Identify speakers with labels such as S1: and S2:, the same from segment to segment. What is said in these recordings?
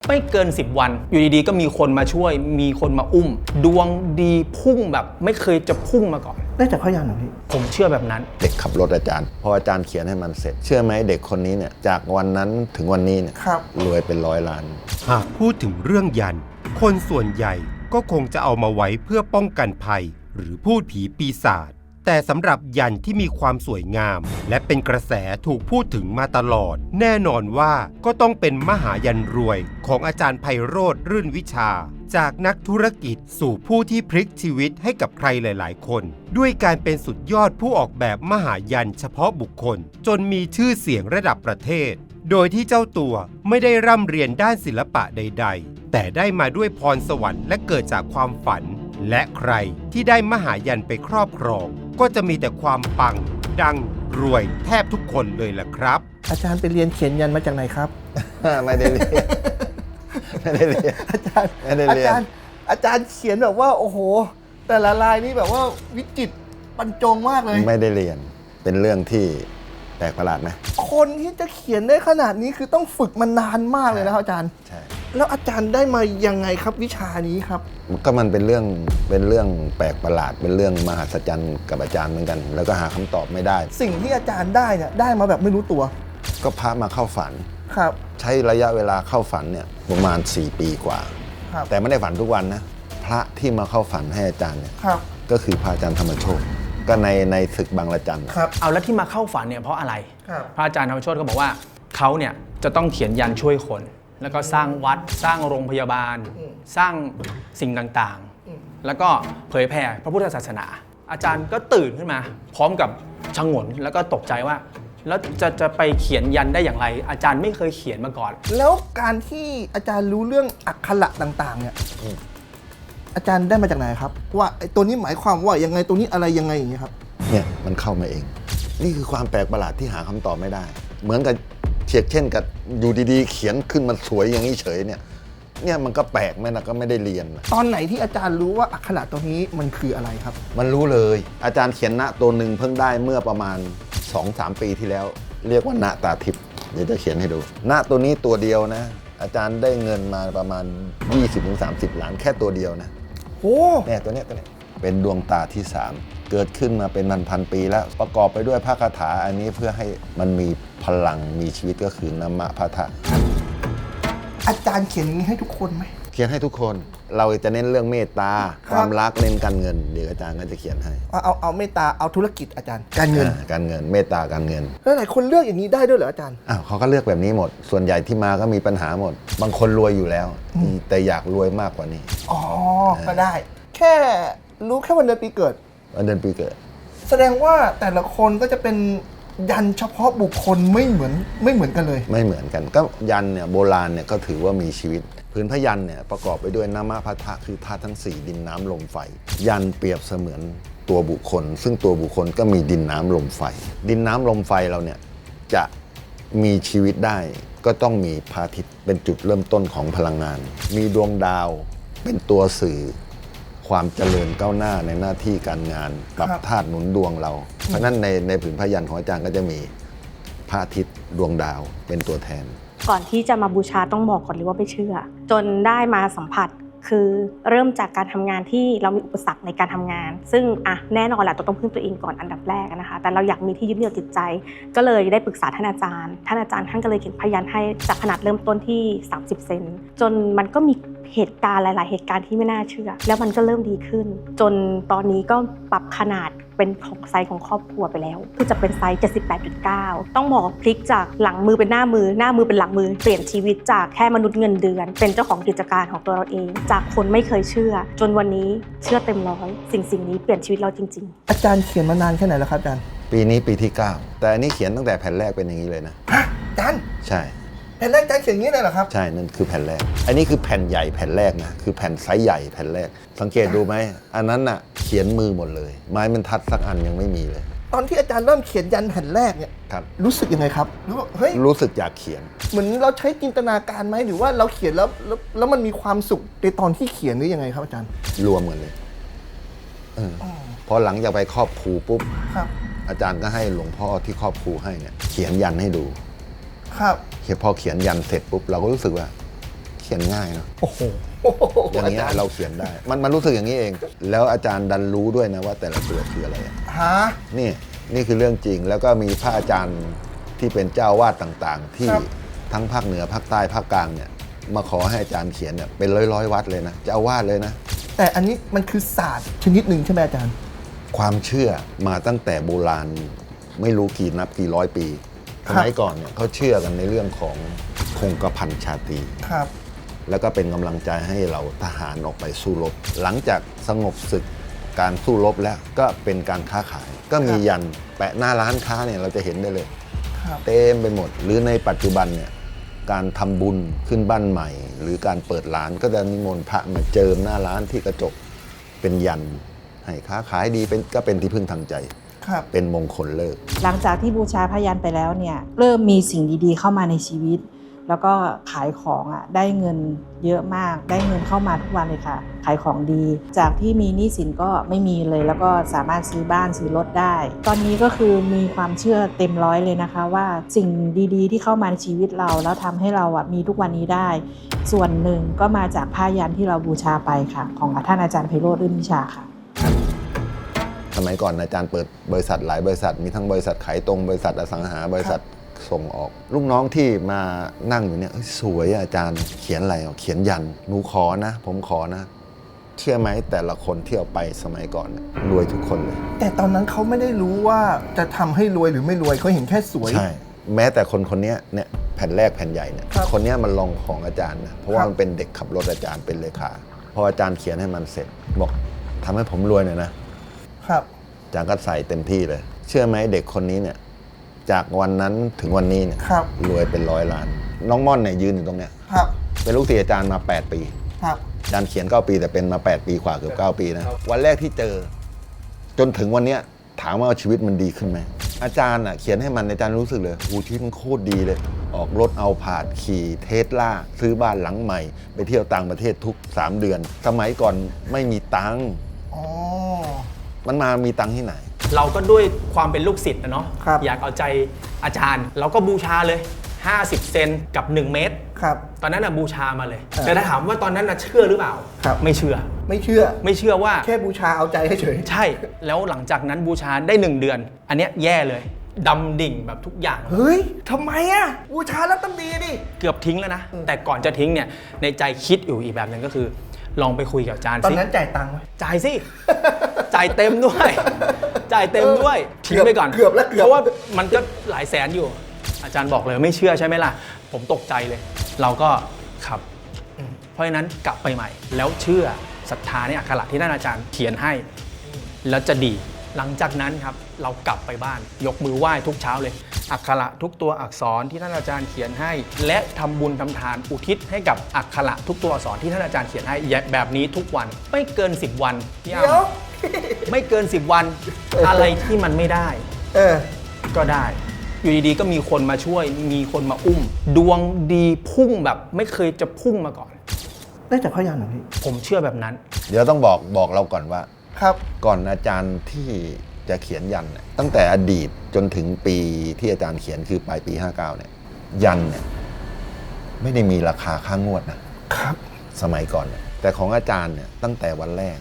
S1: ไม่เกิน10 วันอยู่ดีๆก็มีคนมาช่วยมีคนมาอุ้มดวงดีพุ่งแบบไม่เคยจะพุ่งมาก่อน
S2: ได้จากพยัญชนะพี่
S1: ผมเชื่อแบบนั้น
S3: เด็กขับรถอาจารย์พออาจารย์เขียนให้มันเสร็จเชื่อไหมเด็กคนนี้เนี่ยจากวันนั้นถึงวันนี้เนี่ยรวยเป็น100 ล้าน
S4: หากพูดถึงเรื่องยันคนส่วนใหญ่ก็คงจะเอามาไว้เพื่อป้องกันภัยหรือพูดผีปีศาจแต่สำหรับยันที่มีความสวยงามและเป็นกระแสถูกพูดถึงมาตลอดแน่นอนว่าก็ต้องเป็นมหายันรวยของอาจารย์ไพโรจน์รื่นวิชาจากนักธุรกิจสู่ผู้ที่พลิกชีวิตให้กับใครหลายๆคนด้วยการเป็นสุดยอดผู้ออกแบบมหายันเฉพาะบุคคลจนมีชื่อเสียงระดับประเทศโดยที่เจ้าตัวไม่ได้ร่ำเรียนด้านศิลปะใดๆแต่ได้มาด้วยพรสวรรค์และเกิดจากความฝันและใครที่ได้มหายันไปครอบครองก็จะมีแต่ความปังดังรวยแทบทุกคนเลยล่ะครับ
S2: อาจารย์ไปเรียนเขียนยันมาจากไหนครับ
S3: ไม่ได้เรียนไม่ได้เรียน
S2: อาจารย์ไม่ได้เรียนอาจารย์เขียนแบบว่าโอ้โหแต่ละลายนี่แบบว่าวิจิตรบรรจงมากเลย
S3: ไม่ได้เรียนเป็นเรื่องที่แปลกประหลาดไหม
S2: คนที่จะเขียนได้ขนาดนี้คือต้องฝึกมานานมากเลยนะครับอาจารย์
S3: ใช่
S2: แล้วอาจารย์ได้มายังไงครับวิชานี้ครับ
S3: ก็มันเป็นเรื่องแปลกประหลาดเป็นเรื่องมหัศจรรย์กับอาจารย์เหมือนกันแล้วก็หาคำตอบไม่ได้
S2: สิ่งที่อาจารย์ได้เนี่ยได้มาแบบไม่รู้ตัว
S3: ก็พระมาเข้าฝัน
S2: ครับ
S3: ใช้ระยะเวลาเข้าฝันเนี่ยประมาณ4 ปีกว่าแต่ไม่ได้ฝันทุกวันนะพระที่มาเข้าฝันให้อาจารย์เนี่ยก็คือพระอาจารย์ธรรมโชติก็ในศึกบางระจัน
S1: เอาแล้วที่มาเข้าฝันเนี่ยเพราะอะไรพระอาจารย์ธรรมโชติก็บอกว่าเขาเนี่ยจะต้องเขียนยันช่วยคนแล้วก็สร้างวัดสร้างโรงพยาบาลสร้างสิ่งต่างๆแล้วก็เผยแผ่พระพุทธศาสนาอาจารย์ก็ตื่นขึ้นมาพร้อมกับชงนแล้วก็ตกใจว่าแล้วจะไปเขียนยันได้อย่างไรอาจารย์ไม่เคยเขียนมาก่อน
S2: แล้วการที่อาจารย์รู้เรื่องอักขระต่างๆเนี่ยอาจารย์ได้มาจากไหนครับว่าไอ้ตัวนี้หมายความว่ายังไงตัวนี้อะไรยังไงอย่างเงี้ยครับ
S3: เนี่ยมันเข้ามาเองนี่คือความแปลกประหลาดที่หาคำตอบไม่ได้เหมือนกับเช่นกับอยู่ดีๆเขียนขึ้นมาสวยอย่างนี้เฉยเนี่ยมันก็แปลกไหมนะก็ไม่ได้เรียน
S2: ตอนไหนที่อาจารย์รู้ว่าอักขระตัวนี้มันคืออะไรครับ
S3: มันรู้เลยอาจารย์เขียนณตัวหนึ่งเพิ่งได้เมื่อประมาณ 2-3 ปีที่แล้วเรียกว่าณตาทิพย์เดี๋ยวจะเขียนให้ดูณตัวนี้ตัวเดียวนะอาจารย์ได้เงินมาประมาณ 20-30 ล้านแค่ตัวเดียวนะ
S2: โอ้
S3: เนี่ยตัวเนี้ยเป็นดวงตาที่3เกิดขึ้นมาเป็นพันปีแล้วประกอบไปด้วยพระคาถาอันนี้เพื่อให้มันมีพลังมีชีวิตก็คือนัมมะพะทะ
S2: อาจารย์เขียนอย่างนี้ให้ทุกคนไหม
S3: เขียนให้ทุกคนเราจะเน้นเรื่องเมตตาความรักเน้นการเงินเดี๋ยวอาจารย์ก็จะเขียนให้
S2: เอาเมตตาเอาธุรกิจอาจารย์การเงิ
S3: นเมตตาการเงิน
S2: แล้วหลายคนเลือกอย่างนี้ได้ด้วยเหรออาจารย์
S3: เขาก็เลือกแบบนี้หมดส่วนใหญ่ที่มาก็มีปัญหาหมดบางคนรวยอยู่แล้วแต่อยากรวยมากกว่านี้
S2: ก็ได้แค่รู้แค่วันเดือนปีเกิด
S3: วันเดือนปีเกิด
S2: แสดงว่าแต่ละคนก็จะเป็นยันเฉพาะบุคคลไม่เหมือนกันเลย
S3: ไม่เหมือนกันก็ยันเนี่ยโบราณเนี่ยก็ถือว่ามีชีวิตพื้นพยัญชนะเนี่ยประกอบไปด้วยนัมมะพะทะคือธาตุทั้ง4ดินน้ำลมไฟยันเปรียบเสมือนตัวบุคคลซึ่งตัวบุคคลก็มีดินน้ำลมไฟดินน้ำลมไฟเราเนี่ยจะมีชีวิตได้ก็ต้องมีพระอาทิตย์เป็นจุดเริ่มต้นของพลังงานมีดวงดาวเป็นตัวสื่อความเจริญก้าวหน้าในหน้าที่การงานปรับธาตุหนุนดวงเราเพราะนั้นในผืนพยัญชนะของอาจารย์ก็จะมีพระอาทิตย์ดวงดาวเป็นตัวแทน
S5: ก่อนที่จะมาบูชาต้องบอกก่อนเลยว่าไม่เชื่อจนได้มาสัมผัสคือเริ่มจากการทำงานที่เรามีอุปสรรคในการทำงานซึ่งแน่นอนแหละต้องพึ่งตัวเองก่อนอันดับแรกนะคะแต่เราอยากมีที่ยึดเหนี่ยวจิตใจก็เลยได้ปรึกษาท่านอาจารย์ท่านก็เลยเขียนพยัญชนะให้จากขนาดเริ่มต้นที่30 เซนจนมันก็มีเหตุการณ์หลายๆเหตุการณ์ที่ไม่น่าเชื่อแล้วมันก็เริ่มดีขึ้นจนตอนนี้ก็ปรับขนาดเป็นของไซส์ของครอบครัวไปแล้วคือจะเป็นไซส์ 78.9 ต้องบอกพลิกจากหลังมือเป็นหน้ามือหน้ามือเป็นหลังมือเปลี่ยนชีวิตจากแค่มนุษย์เงินเดือนเป็นเจ้าของกิจการของตัวเราเองจากคนไม่เคยเชื่อจนวันนี้เชื่อเต็มร้อยสิ่งนี้เปลี่ยนชีวิตเราจริง
S2: ๆอาจารย์เขียนมานานแค่ไหนแล้วครับอาจารย์
S3: ปีนี้ปีที่9แต่อันนี้เขียนตั้งแต่แผ่นแรกเป็นอย่างนี้เลยนะ
S2: อาจารย์
S3: ใช่
S2: แผ่นแรกอาจารย์เขียนอย่างนี้เลยเหรอครับ
S3: ใช่นั่นคือแผ่นแรกอันนี้คือแผ่นใหญ่แผ่นแรกนะคือแผ่นไซส์ใหญ่แผ่นแรกสังเกตดูไหมอันนั้นน่ะเขียนมือหมดเลยไม้บรรทัดสักอันยังไม่มีเลย
S2: ตอนที่อาจารย์เริ่มเขียนยันแผ่นแรกเนี่ยรู้สึกยังไงครับ
S3: รู้สึกอยากเขียน
S2: เหมือนเราใช้จินตนาการไหมหรือว่าเราเขียนแล้วมันมีความสุขในตอนที่เขียนหรือยังไงครับอาจารย์
S3: รวมกันเลยพอหลังจากไปครอบครูปุ๊บอาจารย์ก็ให้หลวงพ่อที่ครอบครูให้เนี่ยเขียนยันให้ดู
S2: ครับ
S3: พอเขียนยันเสร็จปุ๊บเราก็รู้สึกว่าขียนง่ายเนาะ
S2: โอ้โห
S3: อย่างเงี้ยเราเขียนได้ มันรู้สึกอย่างนี้เอง แล้วอาจารย์ดันรู้ด้วยนะว่าแต่ละตัวคืออะไรอะ
S2: ฮะ
S3: นี่คือเรื่องจริง แล้วก็มีพระอาจารย์ที่เป็นเจ้าวาดต่างๆ ที่
S2: ครับ
S3: ทั้งภาคเหนือภาคใต้ภาคกลางเนี่ยมาขอให้อาจารย์เขียนเนี่ยเป็นร้อยๆวัดเลยนะเจ้าอาวาสเลยนะ
S2: แต่อันนี้มันคือศาสตร์ชนิดหนึ่งใช่ไหมอาจารย์
S3: ความเชื่อมาตั้งแต่โบราณไม่รู้กี่นับกี่ร้อยปีสมัยก่อนเนี่ยเขาเชื่อกันในเรื่องของคงกระพันชาตรี
S2: ครับ
S3: แล้วก็เป็นกำลังใจให้เราทหารออกไปสู้รบ หลังจากสงบศึกการสู้รบแล้วก็เป็นการค้าขาย ก็มียันแปะหน้าร้านค้าเนี่ยเราจะเห็นได้เลย
S2: ครับ
S3: เต็มไปหมด หรือในปัจจุบันเนี่ยการทำบุญขึ้นบ้านใหม่ หรือการเปิดร้านก็จะนิมนต์พระมาเจิมหน้าร้านที่กระจกเป็นยันให้ค้าขายดีก็เป็นที่พึ่งทางใจ
S2: ครับ
S3: เป็นมงคลเลิก
S6: หลังจากที่บูชาพยัญชนะไปแล้วเนี่ยเริ่มมีสิ่งดีๆเข้ามาในชีวิต แล้วก็ขายของได้เงินเยอะมากได้เงินเข้ามาทุกวันเลยค่ะขายของดี จากที่มีหนี้สินก็ไม่มีเลยแล้วก็สามารถซื้อบ้านซื้อรถได้ ตอนนี้ก็คือมีความเชื่อเต็มร้อยเลยนะคะว่าสิ่งดีๆที่เข้ามาในชีวิตเราแล้วทำให้เรามีทุกวันนี้ได้ ส่วนหนึ่งก็มาจากผ้ายันที่เราบูชาไปค่ะของท่านอาจารย์ไพโรจน์ รื่นวิชาค่ะ
S3: สมัยก่อนอาจารย์เปิดบริษัทหลายบริษัทมีทั้งบริษัทขายตรงบริษัทอสังหาบริษัทส่งออกลูกน้องที่มานั่งอยู่เนี่ยสวยอาจารย์เขียนอะไรเขียนยันหนูขอนะผมขอนะเชื่อไหมแต่ละคนที่เอาไปสมัยก่อนรวยทุกคนเลย
S2: แต่ตอนนั้นเขาไม่ได้รู้ว่าจะทำให้รวยหรือไม่รวยเขาเห็นแค่สวย
S3: ใช่แม้แต่คนนี้เนี่ยแผ่นแรกแผ่นใหญ่เนี่ย
S2: ครับ
S3: คนนี้มันลองของอาจารย์นะเพราะว่า
S2: ครับ
S3: มันเป็นเด็กขับรถอาจารย์เป็นเลขาพออาจารย์เขียนให้มันเสร็จบอกทำให้ผมรวยหน่อยนะครับ อาจารย์ก็ใส่เต็มที่เลย เชื่อไหมเด็กคนนี้เนี่ยจากวันนั้นถึงวันนี้เนี่ย
S2: ครับ
S3: รวยเป็น100 ล้าน น้องม่อนเนี่ยยืนอยู่ตรงเนี้ย
S2: ครับ
S3: เป็นลูกศิษย์อาจารย์มา8 ปี
S2: ครับ
S3: อาจารย์เขียน9 ปีแต่เป็นมา8 ปีกว่าเกือบ9 ปีนะวันแรกที่เจอ จนถึงวันเนี้ยถามว่าชีวิตมันดีขึ้นไหมอาจารย์เขียนให้มันอาจารย์รู้สึกเลยชีวิตมันโคตรดีเลย ออกรถเอาผาดขี่เทสลาซื้อบ้านหลังใหม่ ไปเที่ยวต่างประเทศทุก3 เดือน สมัยก่อนไม่มีตังค์
S2: อ๋อ
S3: มันมามีตังค์ที่ไหน
S1: เราก็ด้วยความเป็นลูกศิษย์นะเนาะ
S2: ครับ
S1: อยากเอาใจอาจารย์ เราก็บูชาเลย 50 เซนกับ 1 เมตร
S2: ครับ
S1: ตอนนั้นบูชามาเลย แต่ถ้าถามว่าตอนนั้นเชื่อหรือเปล่า
S2: ครับ
S1: ไม่เชื่อ
S2: ไม่เชื่อ
S1: ไม่เชื่อว่า
S2: แค่บูชาเอาใจเฉย
S1: ใช่ แล้วหลังจากนั้นบูชาได้ 1 เดือน อันเนี้ยแย่เลยดำดิ่งแบบทุกอย่าง
S2: เฮ้ยทำไมอ่ะบูชาแล้วต้องดีดิ
S1: เกือบทิ้งแล้วนะ แต่ก่อนจะทิ้งเนี่ยในใจคิดอยู่อีกแบบหนึ่งก็คือ ลองไปคุยกับอาจารย์
S2: ตอน
S1: สิ
S2: นั้นจ่ายตังค์ไหม
S1: จ่ายสิ จ่ายเต็มด้วย จ่ายเต็มด้วย ทิ้งไปก่อน
S2: เกือบแล้วเกือบ
S1: เพราะว่ามันก็หลายแสนอยู่ อาจารย์บอกเลยไม่เชื่อใช่ไหมล่ะ ผมตกใจเลย เราก็ครับเพราะฉะนั้นกลับไปใหม่ แล้วเชื่อศรัทธาในอักขระที่ท่านอาจารย์เขียนให้ แล้วจะดี หลังจากนั้นครับเรากลับไปบ้าน ยกมือไหว้ทุกเช้าเลย อักขระทุกตัวอักษรที่ท่านอาจารย์เขียนให้ และทำบุญทำทานอุทิศให้กับอักขระทุกตัวอักษรที่ท่านอาจารย์เขียนให้แบบนี้ทุกวันไม่เกิน 10 วันพี่
S2: เดี๋ยว
S1: อ้ำไม่เกิน 10 วัน อะไรที่มันไม่ได้
S2: เออ
S1: ก็ได้ อยู่ดีๆก็มีคนมาช่วย มีคนมาอุ้ม ดวงดีพุ่งแบบไม่เคยจะพุ่งมาก่อน
S2: ได้จากพยัญชนะเหรอพี่
S1: ผมเชื่อแบบนั้น
S3: เดี๋ยวต้องบอกเราก่อนว่า
S2: ครับ
S3: ก่อนอาจารย์ที่จะเขียนยันเนี่ยตั้งแต่อดีตจนถึงปีที่อาจารย์เขียนคือปลายปี 59 เนี่ยยันเนี่ยไม่ได้มีราคาค่างวดนะครับ สมัยก่อนเนี่ยแต่ของอาจารย์เนี่ยตั้งแต่วันแรก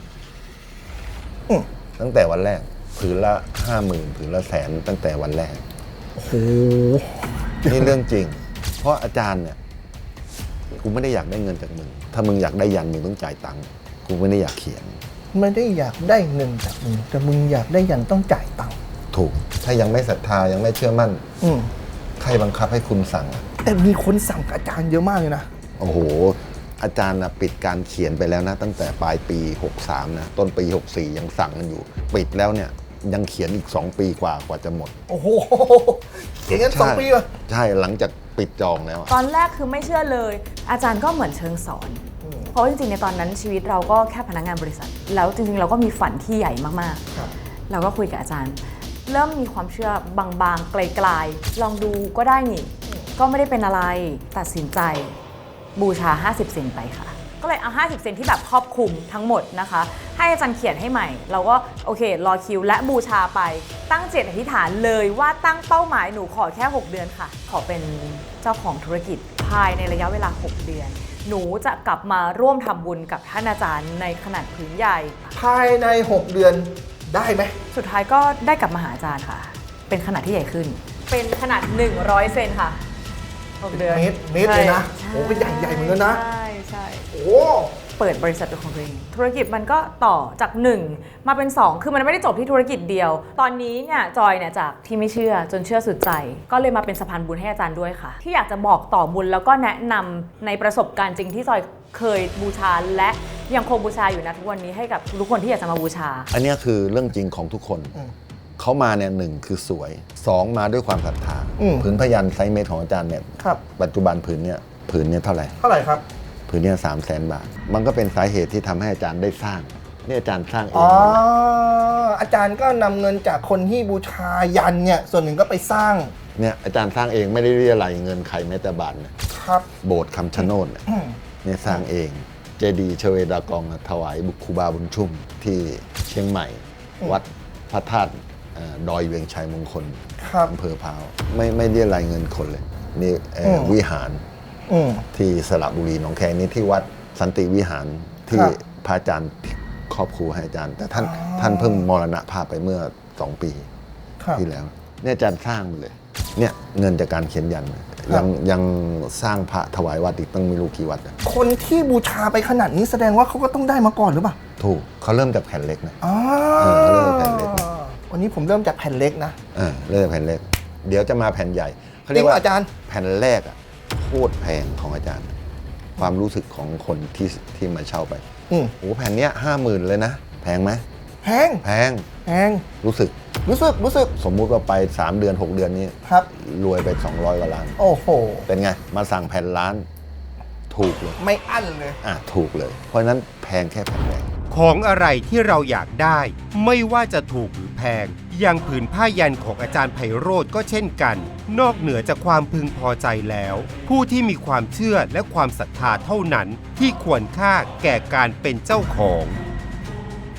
S3: ตั้งแต่วันแรกผืนละ 50,000 ผืนละ100,000ตั้งแต่วันแรก
S2: โอ้โห
S3: นี่เรื่องจริง เพราะอาจารย์เนี่ยกูไม่ได้อยากได้เงินจากมึงถ้ามึงอยากได้ยันมึงต้องจ่ายตังค์กูไม่ได้อยากเขียน
S2: ไม่ได้อยากได้เงินจากมึงแต่มึงอยากได้ยันต้องจ่ายตังค์
S3: ถูก ถ้ายังไม่ศรัทธายังไม่เชื่อมั่น
S2: อืม
S3: ใครบังคับให้คุณสั่งอะ
S2: แต่มีคนสั่งกับอาจารย์เยอะมากเลยนะ
S3: โอ้โห อาจารย์นะปิดการเขียนไปแล้วนะ ตั้งแต่ปลายปี 63 นะ ต้นปี 64 ยังสั่งกันอยู่ ปิดแล้วเนี่ยยังเขียนอีก 2 ปีกว่าจะหมด
S2: โอ้โหเขียนกัน2 ปีวะ
S3: ใช่หลังจากปิดจองแล้วอะ
S7: ตอนแรกคือไม่เชื่อเลย อาจารย์ก็เหมือนเชิงสอน เพราะจริงๆในตอนนั้นชีวิตเราก็แค่พนักงานบริษัท แล้วจริงๆเราก็มีฝันที่ใหญ่มาก
S2: ครับ
S7: ๆ เราก็คุยกับอาจารย์ เริ่มมีความเชื่อบางๆไกลๆลองดูก็ได้นี่ ก็ไม่ได้เป็นอะไรตัดสินใจบูชา50 เซนไปค่ะ ก็เลยเอา50 เซนที่แบบครอบคลุมทั้งหมดนะคะ ให้อาจารย์เขียนให้ใหม่ เราก็โอเครอคิวและบูชาไปตั้งเจตอธิษฐานเลยว่าตั้งเป้าหมายหนูขอแค่6 เดือนค่ะ ขอเป็นเจ้าของธุรกิจภายในระยะเวลา6 เดือนหนูจะกลับมาร่วมทำบุญกับท่านอาจารย์ในขนาดผืนใหญ่
S2: ภายใน 6 เดือนได้ไหม
S7: สุดท้ายก็ได้กลับมาหาอาจารย์ค่ะ เป็นขนาดที่ใหญ่ขึ้น เป็นขนาด 100 เซนค่ะ6 เดือน
S2: เมตรเลยนะ
S7: ใช่
S2: โอ้เป็นใหญ่เหมือนกันนะ
S7: ใช่
S2: โอ้
S7: เปิดบริษัทเป็นของตัวเองธุรกิจมันก็ต่อจาก 1 มาเป็น 2 คือมันไม่ได้จบที่ธุรกิจเดียว ตอนนี้เนี่ยจอยเนี่ยจากที่ไม่เชื่อจนเชื่อสุดใจ ก็เลยมาเป็นสะพานบุญให้อาจารย์ด้วยค่ะ ที่อยากจะบอกต่อบุญแล้วก็แนะนำในประสบการณ์จริงที่จอยเคยบูชาและยังคงบูชาอยู่นะทุกวันนี้ให้กับทุกคนที่อยากจะมาบูชา
S3: อันเนี้ยคือเรื่องจริงของทุกคน เขามาเนี่ยหนึ่งคือสวย 2 มาด้วยความศรัทธาผืนพยัญชนะไซส์เมตรของอาจารย์เนี่ย
S2: ครับ
S3: ปัจจุบันผืนเนี่ยเท่าไหร่
S2: เท่าไหร่ครับ
S3: ผืนเนี่ย300,000 บาท มันก็เป็นสาเหตุที่ทำให้อาจารย์ได้สร้างนี่อาจารย์สร้างเอ
S2: อ๋
S3: ง
S2: อ
S3: หมดเลย
S2: อาจารย์ก็นำเงินจากคนที่บูชายันเนี่ยส่วนหนึ่งก็ไปสร้าง
S3: เนี่ยอาจารย์สร้างเองไม่ได้เรียอะไรเงินใครแม้แต่บาทเนี่ย
S2: ครับ
S3: โบสถ์คำชะโนดเนี่ยสร้างเอง เจดีย์ชเวดากองถวายบุครูบาบุญชุ่มที่เชียงใหม่ วัดพระธาตุดอยเวียงชัยมงคล
S2: ครับ
S3: อำเภอพร้าวไม่เรียอะไรเงินคนเลยนี่วิหาร ที่สระบุรีหนองแคนี่ที่วัดสันติวิหารที่
S2: ครับ
S3: พระอาจารย์ครอบครูให้อาจารย์ แต่ท่านเพิ่งมรณภาพไปเมื่อ 2 ปี
S2: ครับ
S3: ที่แล้วเนี่ยอาจารย์สร้างมาเลยเนี่ยเงินจากการเขียนยันยังสร้างพระถวายวัดอีกตั้งไม่รู้กี่วัดอะ
S2: คนที่บูชาไปขนาดนี้แสดงว่าเขาก็ต้องได้มาก่อนหรือเปล่า
S3: ถูกเขาเริ่มจากแผ่นเล็กนะ
S2: อ๋อ
S3: เขาเริ่มจากแผ่นเล็ก
S2: วันนี้ผมเริ่มจากแผ่นเล็กนะ
S3: เริ่มจากแผ่นเล็ก เดี๋ยวจะมาแผ่นใหญ่เขาเรียก
S2: จริงเหร
S3: ว่า
S2: ออาจารย์
S3: แผ่นแรกอะโคตรแพงของอาจารย์ ความรู้สึกของคนที่มาเช่าไป
S2: อืม
S3: โอ้แผ่นเนี้ย50,000เลยนะแพงไหม
S2: แพง
S3: แพง
S2: แพง
S3: รู้สึก
S2: รู้สึก
S3: สมมุติว่าไป 3 เดือน 6 เดือนนี้
S2: ครับ
S3: รวยไป200 กว่าล้าน
S2: โอ้โห
S3: เป็นไง มาสั่งแผ่นล้านถูกเลย
S2: ไม่อั้นเลย
S3: ถูกเลย เพราะฉะนั้นแพงแค่แผ่นแรก
S4: ของอะไรที่เราอยากได้ ไม่ว่าจะถูกหรือแพง อย่างผืนผ้ายันของอาจารย์ไพโรจน์ก็เช่นกัน นอกเหนือจากความพึงพอใจแล้ว ผู้ที่มีความเชื่อและความศรัทธาเท่านั้นที่ควรค่าแก่การเป็นเจ้าของ